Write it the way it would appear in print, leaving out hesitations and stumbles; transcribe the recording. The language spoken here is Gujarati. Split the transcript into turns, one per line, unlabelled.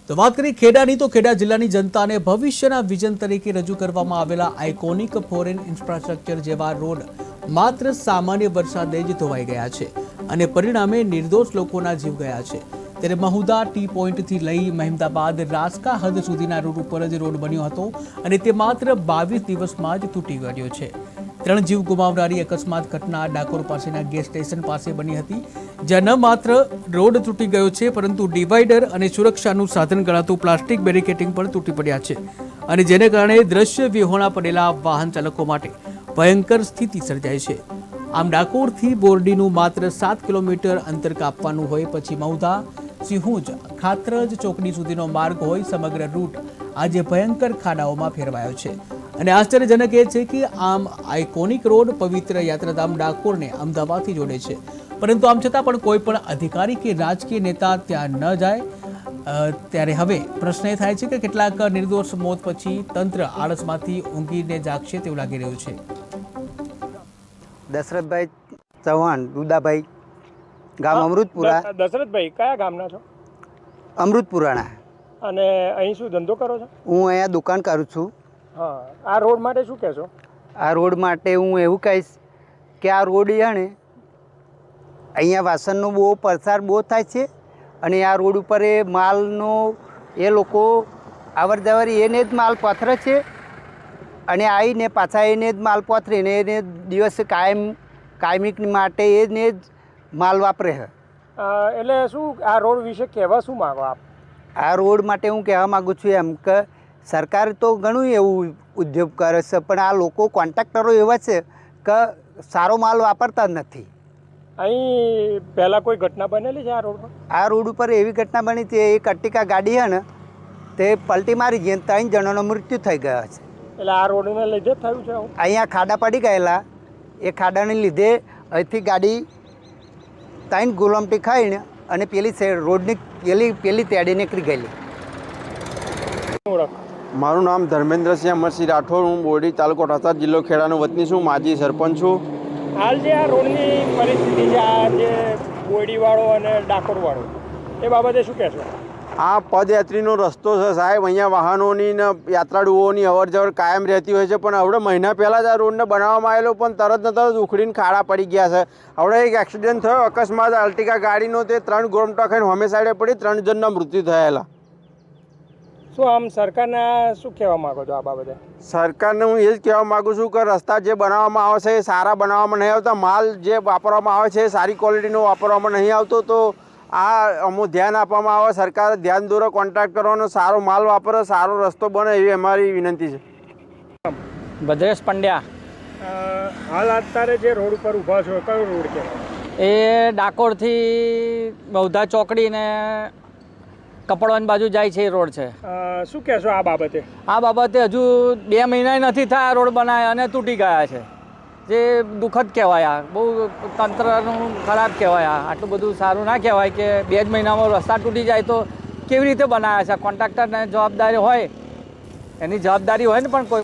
તો વાત કરીએ ખેડાની તો ખેડા જિલ્લાની જનતાને ભવિષ્યના વિઝન તરીકે રજૂ કરવામાં આવેલા આઇકોનિક ફોરેન ઇન્ફ્રાસ્ટ્રક્ચર જેવા રોડ માત્ર સામાન્ય વરસાદે જ ધોવાઈ ગયા છે અને પરિણામે નિર્દોષ લોકોના જીવ ગયા છે। ત્યારે મહુદા ટી પોઈન્ટથી લઈ મહેમદાબાદ રાસકા હદ સુધીના રોડ ઉપર જ રોડ બન્યો હતો અને તે માત્ર 22 દિવસમાં જ તૂટી ગયો છે। 3 જીવ ગુમાવનારી અકસ્માત ઘટના ડાકોર પાસેના ગેસ સ્ટેશન પાસે બની હતી, જ્યાં ન માત્ર રોડ તૂટી ગયો છે પરંતુ ડિવાઈડર અને સુરક્ષાનું સાધન ગણાતું પ્લાસ્ટિક બેરિકેડિંગ પણ તૂટી પડ્યા છે અને જેને કારણે દ્રશ્ય વિહોણા પડેલા વાહન ચાલકો માટે ભયંકર સ્થિતિ સર્જાઈ છે। આમ ડાકોરથી બોરડીનું માત્ર 7 કિલોમીટર અંતર કાપવાનું હોય પછી મહુધા સિંહુજ ખાતરજ ચોકડી સુધીનો માર્ગ હોય સમગ્ર રૂટ આજે ભયંકર ખાડાઓમાં ફેરવાયો છે અને આશ્ચર્યજનક એ છે કે આમ આઇકોનિક રોડ પવિત્ર યાત્રાધામ ડાકોરને અમદાવાદથી જોડે છે, પરંતુ આમ છતાં પણ કોઈ પણ અધિકારી કે રાજકીય નેતા ત્યાં ન જાય। ત્યારે હવે પ્રશ્ન એ થાય છે કે કેટલાક નિર્દોષ મોત પછી તંત્ર આળસમાંથી ઊંઘીને જાગશે તેવું લાગી રહ્યું છે।
દશરથભાઈ ચૌહાણ, દુદાભાઈ, ગામ અમૃતપુરા।
દશરથભાઈ કયા ગામના છો?
અમૃતપુરાના।
અને અહીં શું ધંધો કરો છો?
હું અહીંયા દુકાન કરું છું।
હા, આ રોડ માટે શું કહેશો?
આ રોડ માટે હું એવું કહીશ કે આ રોડ છે ને અહીંયા વાસણનો બહુ પ્રસાર બહુ થાય છે અને આ રોડ ઉપર એ માલનો એ લોકો અવર જવર એને જ માલ પથરે છે અને આવીને પાછા એને જ માલ પથરે ને એને દિવસે કાયમિક માટે એને જ માલ વાપરે છે।
એટલે શું આ રોડ વિશે કહેવા શું માગો આપ?
આ રોડ માટે હું કહેવા માગું છું એમ કે સરકાર તો ઘણું એવું ઉદ્યોગ કરે છે પણ આ લોકો કોન્ટ્રાક્ટરો એવા છે કે સારો માલ વાપરતા જ નથી।
અહીં પહેલાં કોઈ ઘટના બનેલી છે આ રોડ પર?
આ રોડ ઉપર એવી ઘટના બની હતી, એક અટ્ટિકા ગાડી છે ને તે પલટી મારી ગઈ 3 જણાનું મૃત્યુ થઈ ગયા છે।
એટલે આ રોડને લીધે જ થયું છે આવું?
અહીંયા ખાડા પડી ગયેલા, એ ખાડાને લીધે અહીંથી ગાડી 3 ગુલામટી ખાઈને અને પેલી રોડની પેલી તેડી નીકળી ગયેલી।
મારું નામ ધર્મેન્દ્રસિંહ અમરસિંહ રાઠોડ, હું બોરડી તાલુકો ઠાસર જિલ્લો ખેડાનો વતની છું, માજી સરપંચ છું।
હાલ જે આ રોડની પરિસ્થિતિ છે, આ જે બોરડીવાળો અને ડાકોરવાળો, એ બાબતે શું કહેશો?
આ પદયાત્રીનો રસ્તો છે સાહેબ, અહીંયા વાહનોની ને યાત્રાળુઓની અવર જવર કાયમ રહેતી હોય છે, પણ હવે મહિના પહેલાં જ આ રોડને બનાવવામાં આવેલો પણ તરત ને તરત ઉખડીને ખાડા પડી ગયા છે। હવે એક એક્સિડન્ટ થયો અકસ્માત અલ્ટિકા ગાડીનો, તે 3 ગોરમટા ખાઈને હોમે સાઈડે પડી 3 જણના મૃત્યુ થયેલા।
શું આમ સરકારને શું કહેવા માગો છો આ બાબતે?
સરકારને હું એ જ કહેવા માગું છું કે રસ્તા જે બનાવવામાં આવે છે એ સારા બનાવવામાં નહીં આવતા, માલ જે વાપરવામાં આવે છે એ સારી ક્વોલિટીનો વાપરવામાં નહીં આવતો, તો આ અમુક ધ્યાન આપવામાં આવે, સરકાર ધ્યાન દોરે, કોન્ટ્રાક્ટરોનો સારો માલ વાપરે, સારો રસ્તો બને એવી અમારી વિનંતી છે।
ભદ્રેશ પંડ્યા।
હાલ અત્યારે જે રોડ ઉપર ઊભા છો કયો રોડ કહેવાય?
એ ડાકોરથી બહુધા ચોકડી ને કપડવાની બાજુ જાય છે એ રોડ છે।
શું કહેશો આ બાબતે?
આ બાબતે હજુ 2 મહિના નથી થયા રોડ બનાવ્યા અને તૂટી ગયા છે, જે દુઃખદ કહેવાય। બહુ તંત્રનું ખરાબ કહેવાય। આટલું બધું સારું ના કહેવાય કે 2 જ મહિનામાં રસ્તા તૂટી જાય તો કેવી રીતે બનાવ્યા છે? કોન્ટ્રાક્ટરને જવાબદારી હોય, એની જવાબદારી હોય ને, પણ કોઈ